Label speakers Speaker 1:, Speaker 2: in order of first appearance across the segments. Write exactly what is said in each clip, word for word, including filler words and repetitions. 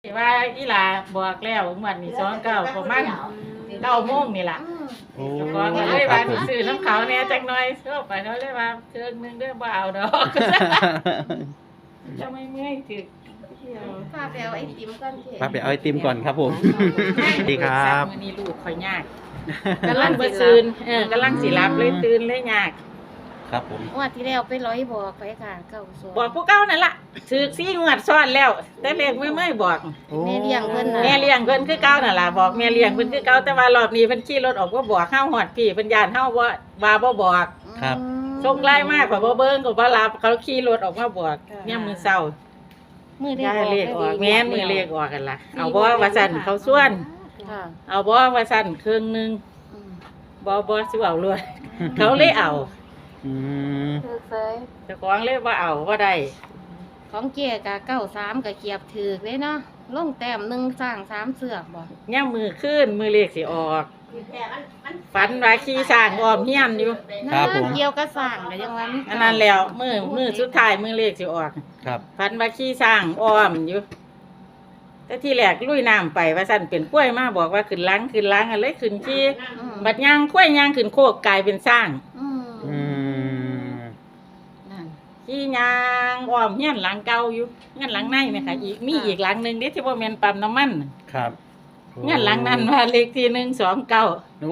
Speaker 1: ว่าอีหลาบอกแล้ววันนี้สองเก้าประมาณเก้าโมงนี่ล่ะ
Speaker 2: โอ้
Speaker 1: เจ้าของก็เลย
Speaker 2: ครั
Speaker 1: ว่า
Speaker 2: บผม
Speaker 1: ซื้อน้ำเขาเนี่ยจักหน่อยเข้าไปเขาเลยว่าเครื่องนึงเด้อบ่เอาดอกจะไม่เมื่อยถึกเที่ยว
Speaker 3: พาไปเอาไอติมก่อนเถ
Speaker 2: ป้าไปเอาไอติมก่อนครับผมสวัสดีครับ
Speaker 1: มื้อนี้ลูกข่อยยากกำลังบ่ตื่นเออกำลังสิหลับเลยตื่นเลยยาก
Speaker 2: ครับผม
Speaker 3: งวดที่แล้วไปร้อยบอกไปค่ะเก้าสอง
Speaker 1: บอกผู้เก่านั่นล่ะถือซี่งวดซ้อนแล้ว แต่เลขไม่ไม่บอก
Speaker 3: แม่เลี้ยงเพิ่นน่ะ
Speaker 1: แม่เลี้ยงเพิ่นคือเก่านั่นล่ะบอกแม่เลี้ยงเพิ่นคือเก่าแต่ว่ารอบนี้เพิ่นขี่รถออกบ่บอกเฮาฮอดพี่เพิ่นย่านเฮาบ่ว่าบ่บอก
Speaker 2: ครับ
Speaker 3: อืม
Speaker 1: ส่งไลน์มากกว่าบ่เบิ่งก็บ่รับเขาขี่รถออกมาบอกเนี่ยามมื้อเช้า
Speaker 3: มือได้
Speaker 1: ย้าย
Speaker 3: บอก
Speaker 1: เลขออกแม่นมือเลขออกกันล่ะเอาบ่ว่าซั่นเขาส่วน
Speaker 3: ค่ะ
Speaker 1: เอาบ่ว่าซั่นครึ่งหนึง
Speaker 3: อืม
Speaker 1: บ่บ่สิเอารวดเขาเลยเอา
Speaker 2: อืม
Speaker 3: ถือเคย
Speaker 1: เจ้าของเลยบ่เอาบ่ได้
Speaker 3: ของเกียกะเก้าสามกะเกียบถือเลยเนาะลงแต้มหนึ่งสร้างสามเสือกบ่
Speaker 1: ย่ามมือขึ้นมือเลขสิออกฝันว่าขี่ช้างอ้อมเฮียนอยู่
Speaker 2: ครับผม
Speaker 3: เกี่ยวกับสร้างก็ยังว่ามี
Speaker 1: อันนั้นแล้วมือมือสุดท้ายมือเลขสิออก
Speaker 2: ครับ
Speaker 1: ฝันว่าขี่ช้างอ้อมอยู่แต่ที่แรกลุยน้ำไปว่าซั่นเป็นกล้วยมาบอกว่าขึ้นหลังขึ้นหลังอะไรขึ้นขี่
Speaker 3: อืม
Speaker 1: บัดย่างกล้วยย่างขึ้นโคกกลายเป็นช้าง
Speaker 3: อืม
Speaker 2: อืม
Speaker 3: นั่น
Speaker 1: ขี่ย่างอ้อมเฮียนหลังเก่าอยู่เฮียนหลังในไหมคะอีกมีอีกหลังหนึงเด้ที่บ่แม่นปั๊มน้ำมัน
Speaker 2: ครับโ
Speaker 1: เฮียนหลังนั้นว่าเลขที่หนึ่งสองเก้า
Speaker 2: โอ้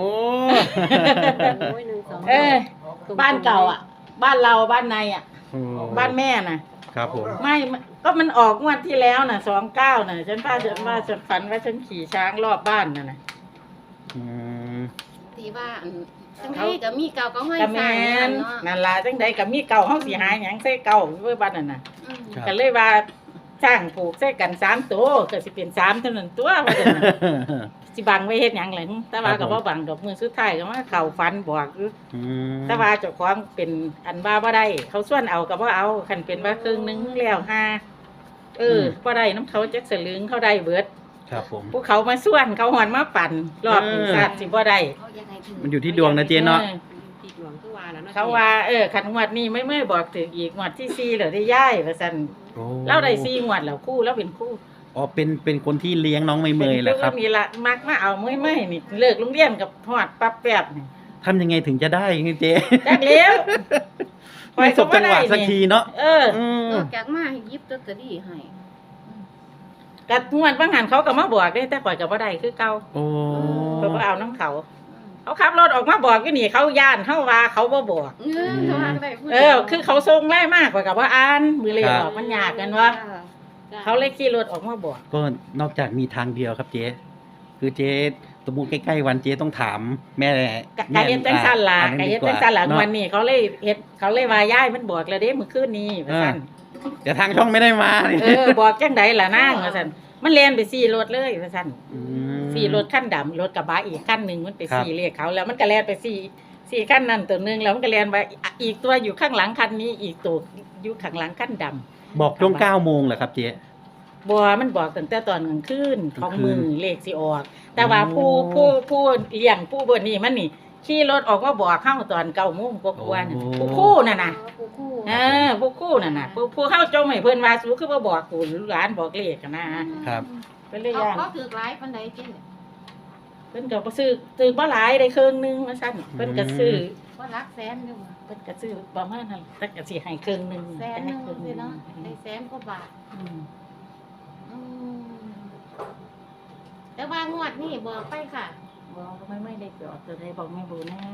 Speaker 1: เออบ้านเก่าอ่ะ บ้านเราบ้านในอ่ะ
Speaker 2: โอ้
Speaker 1: บ้านแม่น่ะ
Speaker 2: ครับผม
Speaker 1: ไม่ก็มันออกงวดที่แล้วน่ะสองเก้าน่ะฉันว่าฉันว่าฉันฝันว่าฉันขี่ช้างรอบบ้านน่ะนะ
Speaker 2: อืม
Speaker 3: ที่ว่าอันจังไดก็มีเก่าก็ห้อย
Speaker 1: กะ
Speaker 3: ส
Speaker 1: แม
Speaker 3: ร้างนั่
Speaker 1: น
Speaker 3: นเนาะ
Speaker 1: นั่นล่ะจังใดก็มีเก่าเฮาสิหาหยังใส่เก่าเว้ยบ้านนั่นน่ะ
Speaker 3: อืม
Speaker 2: ครับ
Speaker 1: ก็เลยว่าจ้างผูกใส่กันสามตัวก็สิเป็นสามเท่านั้นตัวว่าซั่นน่ะสิบังไว้เฮ็ดหยังล่ะหึแต่ว่าก็บ่บังดอกมือสุดท้ายก็มาเข้าฝันบอกอยู่
Speaker 2: อืม
Speaker 1: แต่ว่าเจ้าของเป็นอันว่าบ่ได้ เขาส่วนเอาก็บ่เอาคันเป็นว่าครึ่งหนึงแล้วห้าเออบ่ได้น้ำเขาจักสลึงเขาได้เบิด
Speaker 2: ครับผม
Speaker 1: ผู้เขามาส่วนเขาหอนมาปั่นรอบหนึ่ง
Speaker 2: เออ
Speaker 1: ศาสตร์สิบ่ได้
Speaker 3: เขายังไงถึง
Speaker 2: มันอยู่ที่ดวงนะเจ๊เนาะ
Speaker 1: ออเขาว่าเออคันงวดนี้ไม่เมื่อบอกถึงอีกงวดที่สี่เหรอได้ย่ายว่าซั่น
Speaker 2: โอ้
Speaker 1: เราได้สี่งวดแล้วคู่แล้วเป็นคู่
Speaker 2: อ๋อเป็นเป็นคนที่เลี้ยงน้องเมย์เมย์แหละครับ
Speaker 1: เป็นนี่ละมักมาเอาเมื่อยเมื่อยนี่เลิกโรงเรียนกับฮอดปั๊บแป๊บนี่
Speaker 2: ทำยังไงถึงจะได้เจ๊
Speaker 1: จักเลี้ยว
Speaker 2: ไม่สบจังหวะสักทีเนาะ
Speaker 1: เออ
Speaker 2: อืม
Speaker 3: นอกจากมาให้หยิบลอตเตอรี่ให้
Speaker 1: กัดงวดบางหันเขาก็มาบอกได้แต่ข่อยก็บ่ได้คือเก่า
Speaker 2: โอ้
Speaker 1: เพิ่นบ่เอาน้ำเขา เขาขับรถออกมาบอกอยู่นี่เขาย่านเขาว่าเขาบ่บอก
Speaker 3: เออเขาว่าก็ได้พูด
Speaker 1: เออ คือเขาส่งไล่มากกว่ากับว่าอ่านมือเลยออกมันยากกันว่า
Speaker 3: จ้ะ
Speaker 1: เขาเลยขี่รถออกมาบอก
Speaker 2: ก็นอกจากมีทางเดียวครับเจ๊คือเจ๊สมมติใกล้ๆวันเจ๊ต้องถามแม่
Speaker 1: กะกะเฮ็ดจังซั่นล่ะ
Speaker 2: อ่
Speaker 1: กะเฮ็ดจังซั่นล่ะ
Speaker 2: เาะ
Speaker 1: วันนี้เขาเลยเฮ็ดเขาเลยว่าย้ายมันบอกแล้วเด้มื้อคืนนี้ว่าซั่น
Speaker 2: แต่ทางช่องไม่ได้มา
Speaker 1: เออบอกจังไดล่ะนางว่าซั่นมันแล่นไปสี่รถเลยว่าซั่น
Speaker 2: ม
Speaker 1: สี่รถคันดำรถกระบะอีกคันหนึงมันไป
Speaker 2: ครับ
Speaker 1: สี่เลขเขาแล้วมันก็แล่นไปสี่สี่คันนั้นตัวหนึงแล้วมันก็แล่นไปอีกตัวอยู่ข้างหลังคันนี้อีกตัวอยู่ข้างหลังคันดำ
Speaker 2: บอกช่วงเก้าโมงเหรอครับเจ๊
Speaker 1: บัวมันบอกตั้งแต่ตอนกลางคืนของมือก
Speaker 2: ลางคืน
Speaker 1: เลขสิออก แต่ว่า
Speaker 2: โอ้
Speaker 1: ผู้ผู้ผู้เลี้ยงผู้เบนนี่มันนี่ขี่รถออกมาบอกเข้าตอนเก้าโมงกว่าๆน่ะผู้คู่น่ะนะ
Speaker 3: ผู้คู่
Speaker 1: เออผู้คู่น่ะนะผู้ผู้เข้าจงให้เพิ่นว่าสู้คือบ่บอกกูหลานบอกเลขกันนะครับ เพิ่นเลย
Speaker 3: เขา
Speaker 1: ย่าน
Speaker 3: เขาถือหลายปานใดเจ้
Speaker 1: เพิ่นก็บ่ซื้อซื้อบ่หลายได้ครึ่งหนึงว่าซั่นเพิ่นก็ซื้อ
Speaker 3: ว่ารักแสนอยู่บ่
Speaker 1: เพิ่นก็ซื้อประมาณนั้นแต่ก็สิให้ครึ่งหนึง
Speaker 3: แสนหนึง
Speaker 1: ให้ครึ่งห
Speaker 3: สิ
Speaker 1: นึ่ง
Speaker 3: เนาะได้แสนกว่าบาท
Speaker 1: อืม
Speaker 3: อืมแต่ว่างวดนี่บอกไปค่ะ
Speaker 1: บอกไม่ไม่ได้จอดตัวใดบอกไม่รู้นะ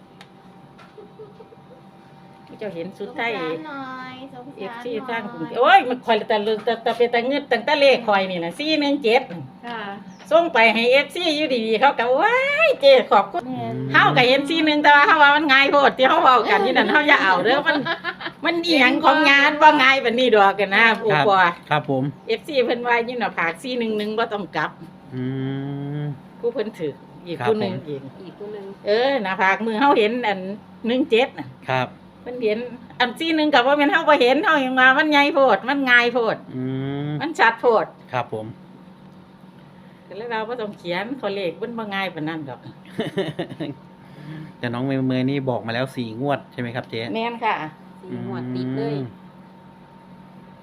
Speaker 1: เจ้าเห็นสุด
Speaker 3: สง
Speaker 1: ท้าย
Speaker 3: สารหน่อยสง
Speaker 1: เอฟ
Speaker 3: สาร
Speaker 1: ซี
Speaker 3: หน่
Speaker 1: สร้าง
Speaker 3: อย
Speaker 1: โอ้ยมันคอยแต่เลือกแต่แต่เป็นแต่เงินตั้งแต่เลขคอยนี่นะสี่หนึ่งเจ็ด
Speaker 3: ค่ะ
Speaker 1: ส่งไปให้เอฟซีอยู่ดีๆเขาก็ว้ายเจ๊ขอบคุณ
Speaker 3: แม่น
Speaker 1: เฮากับเห็นสี่หนึ่งแต่ว่าเฮาว่ามันง่ายโพดที่เฮาเว้ากันนี่นั่นเฮาอย่าเอาเด้อมันมันอีหยังของงานบ่ง่ายปานนี้ดอกกันนะผู้
Speaker 2: ครับ
Speaker 1: ปอ
Speaker 2: ครับผม
Speaker 1: เอฟซีเพิ่นว่าอยู่หน้าผากสี่หนึ่งหนึ่งบ่ต้องกลับ
Speaker 2: อืม
Speaker 1: ผู้เพิ่นถืออีก
Speaker 2: ครับ
Speaker 1: ผู้หนึง
Speaker 2: ผม
Speaker 1: อีก
Speaker 3: อีกคนหนึง
Speaker 1: เออหน้าผากมือเฮาเห็นอันหนึ่งเจ็ดน่ะ
Speaker 2: ครับ
Speaker 1: เพิ่นเห็นอันสี่หนึ่งก็บ่แม่นเฮาบ่เห็นเฮายังว่ามันใหญ่โพดมันง่ายโพด
Speaker 2: อืม
Speaker 1: มันชัดโพด
Speaker 2: ครับผม
Speaker 1: ก็เลยเราบ่ต้องเขียนเขาเลขมันบ่ง่ายปานนั้นดอก
Speaker 2: แต่น้องเมย์เมย์นี่บอกมาแล้วสี่งวดใช่ไหมครับเจ๊
Speaker 1: แม่นค่ะ
Speaker 2: อืมคือ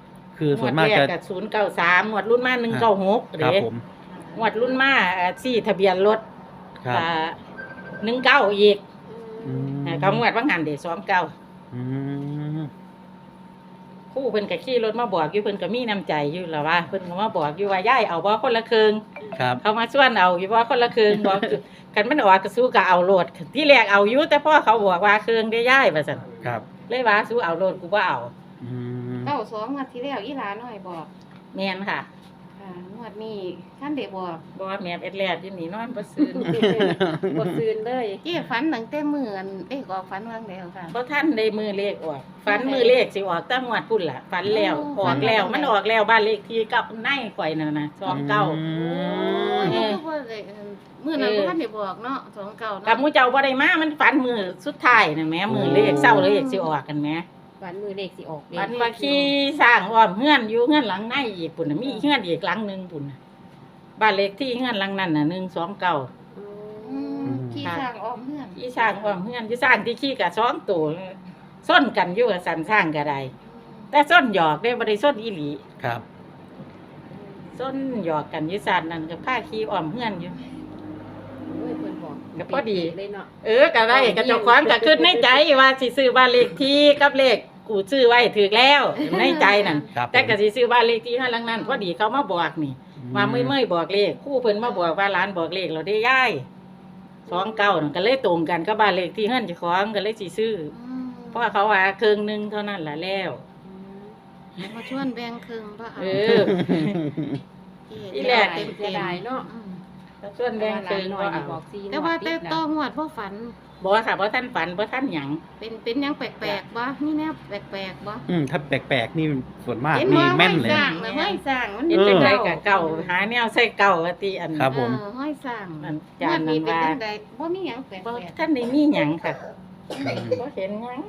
Speaker 2: คือส่วนมาก
Speaker 1: งวด
Speaker 2: จะ
Speaker 1: แรกับศูนย์เก้าสามงวดรุ่นมาหนึ่งเก้าหก
Speaker 2: ครับ
Speaker 1: เด้
Speaker 2: ผม
Speaker 1: งวดรุ่นมาอ่าสี่ทะเบียนรถ
Speaker 2: ครับ
Speaker 1: อ่าหนึ่งเก้าอีก
Speaker 2: อืม
Speaker 1: อ่าเขางวดว่างหันเดี๋ยวสองเก้า
Speaker 2: อืม
Speaker 1: ครู่เพิ่นก็ขี่รถมาบอกอยู่เพิ่นก็มีน้ำใจอยู่แล้วว่าเพิ่นก็มาบอกอยู่ว่าย้ายเอาบ่คนละครึ่ง
Speaker 2: ครับ
Speaker 1: เขามาชวนเอาอยู่บ่คนละครึ่งบอกคันมันออกก็สู้ก็เอาโลดที่แรกเอาอยู่แต่พ่อเขาบอกว่าครึ่งได้ย้ายว่าซั่น
Speaker 2: ครับ
Speaker 1: เลยว่าสู้เอาโลดกูบ่เอา
Speaker 2: อืม
Speaker 3: เก้าสองงวดที่แล้วอีหลาน้อยบอก
Speaker 1: แม่นค่ะ
Speaker 3: ค่ะงวดนี้ท่านได้บอก
Speaker 1: บ่ว่าแม่นเอ็ดแลดอยู่นี่นอนบ่ซื่น
Speaker 4: บ่ซืนเลย
Speaker 3: เจ้ฝันตั้งแต่มื้ออันเด็กออกฝันวางแล้วค่ะ
Speaker 1: บ่ทันได้มือเลขออกฝันมือเลขสิออกตั้งงวดพุ่นล่ะฝันแล้ว
Speaker 3: โอ้
Speaker 1: ออกแล้ว
Speaker 3: ฝันแล้ว
Speaker 1: มันออกแล้วบ้านเลขที่กับในข่อยนั่นน่ะสองเก้า
Speaker 2: อื
Speaker 3: โอ้
Speaker 2: ม
Speaker 3: ยบ่ได้เอิ่มมื้อนั้น
Speaker 1: เออ
Speaker 3: บ่ทันได้บอกเนาะสองเก้า
Speaker 1: กับ
Speaker 3: เนาะ
Speaker 1: หมูเจ้าบ่ได้มา มันฝันมือสุดท้ายน่ะแหม่มือเลขเศร้าเลขสิออกกันแหม
Speaker 4: ฝันมือเลขสิออก
Speaker 1: ฝันว่าขี่สร้างอ้อมเฮือนอยู่เฮือนหลังในอีกปุ่นน่ะมีเฮือนอีกหลังหนึงปุ่นน่ะบ้านเลขที่เฮือนหลังนั้นน่ะหนึ่งสองเก้า
Speaker 3: อืมขี่สร้างอ้อมเฮือน
Speaker 1: ขี่สร้างอ้อมเฮือนที่สร้างที่ขี่ก็สองตัวส้นกันอยู่กับสันสร้างก็ได้แต่ส้นหยอกได้บ่ได้ส้นอีหลี
Speaker 2: ครับ
Speaker 1: ส้นหยอกกันอยู่สันนั่นก็พาขี่อ้อมเฮือนอยู่
Speaker 4: โอ้ยเพิ่นบอก
Speaker 1: ก็พอดี
Speaker 4: เลยเนาะ
Speaker 1: เออก็ได้ก็เจ้าของก็คิดในใจว่าสิซื้อบ้านเลขที่กับเลขกูซื้อไว้ถูกแล้วในใจนั่น
Speaker 2: ครับ
Speaker 1: แต่ก็สิซื้อบ้านเลขที่เฮาหลังนั้นพอดีเขามาบอกนี่ว่าเมื่อยๆบอกเลขครู่เพิ่นมาบอกว่าร้านบอกเลขเราได้ย้ายสองเก้านั่นก็เลยตรงกันกับบ้านเลขที่เฮือนเจ้าของก็เลยสิซื้อ
Speaker 3: อืม
Speaker 1: เพราะว่าเขาว่าครึ่งหนึงเท่านั้นล่ะแล้ว
Speaker 3: มาชวนแบ่งครึ่งบ่เอา
Speaker 1: เออ
Speaker 3: เจ๊
Speaker 1: อีแรก
Speaker 3: เต็ม
Speaker 4: เสียดายเนาะ
Speaker 3: อืม
Speaker 1: ถ้าส่วนแบ่งครึ่ง
Speaker 4: หน่
Speaker 1: ก็
Speaker 4: อย
Speaker 1: เอา
Speaker 4: บอกซี
Speaker 3: แต่ว่าแต่ต้องงวดบ่ฝัน
Speaker 1: บ่ค่ะบ่ทันฝันบ่ทันหยัง
Speaker 3: เป็นเป็นหยังแปลกๆบ่มีแนวแปลกๆบ่
Speaker 2: อืมถ้าแปลกๆนี่ส่วนมาก
Speaker 3: เห็น
Speaker 2: นี่
Speaker 3: ว่า
Speaker 2: แม่นเลย
Speaker 3: ห้อยสร้างนะห้อยสร้างมัน
Speaker 1: เฮ็ดจังได
Speaker 3: เก่า
Speaker 1: ก็เก่าหาแนวใส่เก่าว่าติอัน
Speaker 2: ครับผม
Speaker 3: เออห้อยสร้าง
Speaker 1: อัน
Speaker 3: ง
Speaker 1: จาน
Speaker 3: วด
Speaker 1: นั้
Speaker 3: นี้
Speaker 1: น
Speaker 3: เป็น
Speaker 1: ว่า
Speaker 3: จังไดบ่มีหยังแปล
Speaker 1: บ่
Speaker 3: ก
Speaker 1: ทันได้มีหยังค่ะ
Speaker 2: อืม
Speaker 1: บ่เห็นหยัง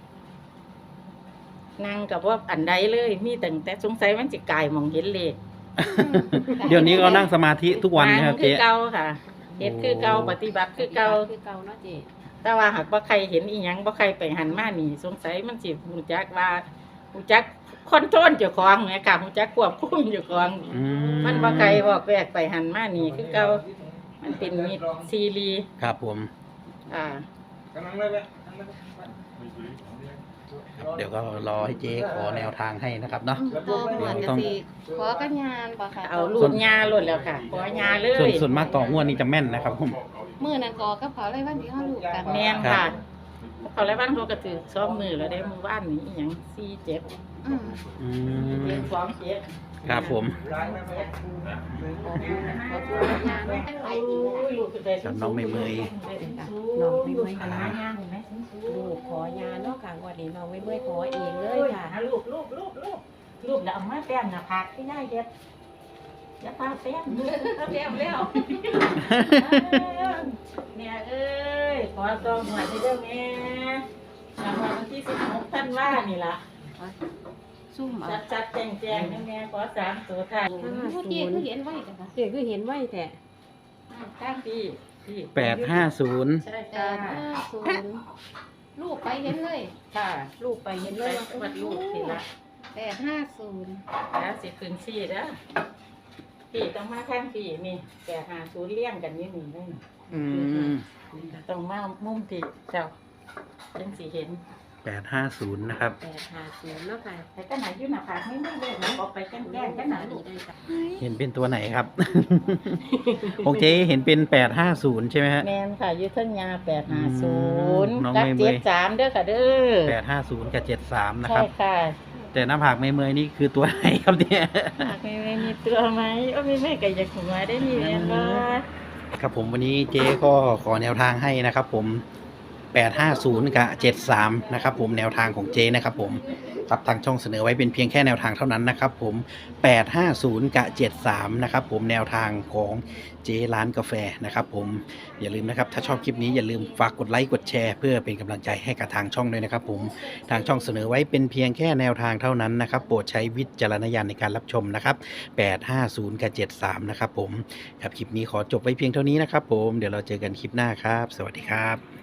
Speaker 1: นั่งกับว่าอันใดเลยมีตั้งแต่สงสัยมันสิกลายมองเห็นเลข
Speaker 3: ๆ
Speaker 2: เดี๋ยวนี้ก็นั่งสมาธิทุกวันนะครับ
Speaker 1: คื
Speaker 2: เจ๊
Speaker 1: อเก่าค่ะเฮ็ดคือเก่าปฏิบัติคือเก่า
Speaker 4: คือเก่าเนาะเจ๊
Speaker 1: แต่ว่าหากบ่ใครเห็นอีหยังบ่ใครไปหันมานี่ สงสัยมันสิรู้จักว่ารู้จักคอนโทรลเจ้าของแหมค่ะรู้จักควบคุมเจ้าของ
Speaker 2: อื
Speaker 1: มันบ่ใครบอกแวกไปหันมานี่คือเก่ามันเป็นมิตรซีรีส์
Speaker 2: ครับผม
Speaker 1: อ่า
Speaker 2: เดี๋ยวก็รอให้เจ๊ขอแนวทางให้นะครับเนาะ
Speaker 3: อืมต่อหมวดก็สิขอกันยานบ่ค่ะ
Speaker 1: เอาลูกยาโลดแล้วค่ะขอยาเล
Speaker 2: ส่วน
Speaker 1: ย
Speaker 2: ส่วนมากต่องวดนี้จะแม่นนะครับผม
Speaker 3: มื้อนั้นก็กับเขาเลยวันที่เฮารู้กัน
Speaker 1: แม่น
Speaker 2: ครั
Speaker 1: ค่ะ
Speaker 2: บ
Speaker 1: เขาแล้วบ้านเขาก็ถือซ้อมมือแล้วได้มือบ้านนี้อหย่างสี่เจ็ด
Speaker 3: อืม
Speaker 2: อื
Speaker 1: เจ็ด
Speaker 2: ม
Speaker 1: สองเจ็ด
Speaker 2: ครับผม กับน้องไม่เมย
Speaker 4: น้องไม่เมื่อย
Speaker 1: หา
Speaker 4: ค่ะ
Speaker 1: ยางเห็นไหม
Speaker 4: ลูกขอยาเนาะค่ะวันนี้น้องไม่เมื่อยขอเองเลยค่ะ
Speaker 1: หาลูกลูกลูกลูกลูกแล้วเอามาแต้มหน้าผากที่ได้เด็ดอย่าพาแต้มเอาแต้มแล้วเนี่ยเอ้ยขอซองหน่อยได้เด้อแม่รางวัลวันที่สิบหกท่านว่านี่ล่ะ
Speaker 3: ซุ่มเอา
Speaker 1: จัดจัดแจงแจงแม่ขอสามตัวค่ะ
Speaker 3: ผู้เจ๊คือเห็นไว้จ้ะค่ะ
Speaker 4: เจ๊คือเห็นไว้แต่
Speaker 1: ข้างพี่พี่
Speaker 2: แปดห้าศูนย์
Speaker 1: ใช่
Speaker 3: แป
Speaker 1: ค่ะ
Speaker 3: ดห้าศูนย์ลูกไปเห็นเลย
Speaker 1: ค่ะ
Speaker 4: ลูกไป
Speaker 1: เห็
Speaker 4: เห็
Speaker 1: น
Speaker 4: น
Speaker 1: เล
Speaker 4: เลย ย
Speaker 1: วัดลูกสิละ
Speaker 3: แปดห้าศูนย์
Speaker 1: แล้วสิคืนซี่เด้อพี่ต้องมาข้างพี่นี่แปดหาศูนย์เลี้ยงกันนี่นี่เลย
Speaker 2: อืม
Speaker 1: ต้องมามุมพี่เจ้าจังสิเห็น
Speaker 2: แปดห้าศูนย์นะครับ
Speaker 4: แปดห้าศูนย์เนาะค่ะ
Speaker 1: แต่ก็ไหนอยู่หน้าผากไม่ไม่เลยมันออกไปแกล้งแกล้งกันหนาลูก
Speaker 4: ได้จ้ะ
Speaker 2: เห็นเป็นตัวไหนครับ ของเจ๊เห็นเป็นแปดห้าศูนย์ใช่ไหมฮะ
Speaker 1: แมนค่ะยุทธยาแปดหาศูนย์
Speaker 2: น้อง
Speaker 1: กับ
Speaker 2: ไม่เมื่
Speaker 1: เจ็
Speaker 2: อ
Speaker 1: ด
Speaker 2: ย
Speaker 1: สามเด้อค่ะเด้อ
Speaker 2: แปดห้าศูนย์กับเจ็ดสามนะค
Speaker 1: ใช่
Speaker 2: รับ
Speaker 1: ค่ะ
Speaker 2: แต่หน้าผากไม่เมยนี่คือตัวไหนครับเนี่ย
Speaker 1: หากไม่ไม่มีตัวไหมโอ้ไม่ไม่ก็อยากหัวได้นี่แม่นบ่
Speaker 2: ครับผมวันนี้เจ๊ก็ขอแนวทางให้นะครับผมแปดห้าศูนย์กับเจ็ดสามนะครับผมแนวทางของเจ๊นะครับผมครับทางช่องเสนอไว้เป็นเพียงแค่แนวทางเท่านั้นนะครับผมแปดห้าศูนย์กับเจ็ดสามนะครับผมแนวทางของเจ๊ร้านกาแฟนะครับผมอย่าลืมนะครับถ้าชอบคลิปนี้อย่าลืมฝากกดไลค์กดแชร์เพื่อเป็นกำลังใจให้กับทางช่องด้วยนะครับผมทางช่องเสนอไว้เป็นเพียงแค่แนวทางเท่านั้นนะครับโปรดใช้วิจารณญาณในการรับชมนะครับแปดห้าศูนย์กับเจ็ดสามนะครับผมครับคลิปนี้ขอจบไว้เพียงเท่านี้นะครับผมเดี๋ยวเราเจอกันคลิปหน้าครับ สวัสดีครับ